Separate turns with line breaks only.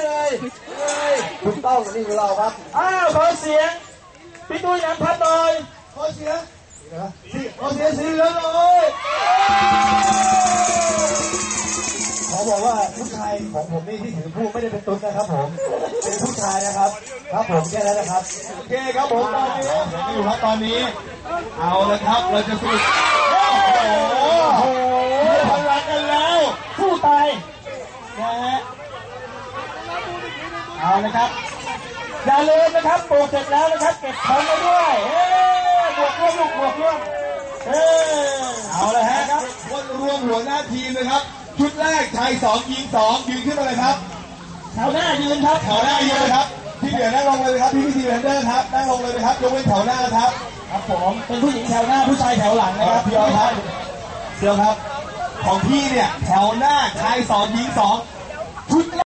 ยถูกต้องนี่คือเราครับ
ขอเสียงพี่ตุ้ยน้ำพัดหน่อย
ขอเสียงสีเหลืองเลยขอบอกว่าผู้ชายของผมนี่ที่ถือผู้ไม่ได้เป็นตุ๊ดนะครับผมเป็นผู้ชายนะครับครับผมแค่นั้นนะครับ
โอเคครับผมตอนนี้อยู่ครับตอนนี้เอาเลยครับเราจะสู้โอ้โหพลังกันแล้ว
สู้ตาย
นะฮะ
เอาเลยครับอย่าลืมนะครับปลูกเสร็จแล้วนะครับเก็บของไปด้วยบวกร่วมลูกบวกร่วม
เอาเลยฮะครับคนรวมหัวหน้าทีมนะครับชุดแรกชาย2 หญิง 2ยืนขึ้นมาเลยครับ
แถวหน้ายืนครับ
แถวหน้ายืนเลยครับที่เหลือนั่งลงเลยครับพี่ทีมแอนเดอร์ครับนั่งลงเลยครับยกเว้นแถวหน้าครับ
ครับผมเป็นผู้หญิงแถวหน้าผู้ชายแถวหลังนะครับ
พี่ครับเดี๋ยวครับของพี่เนี่ยแถวหน้าชาย2 หญิง 2ชุด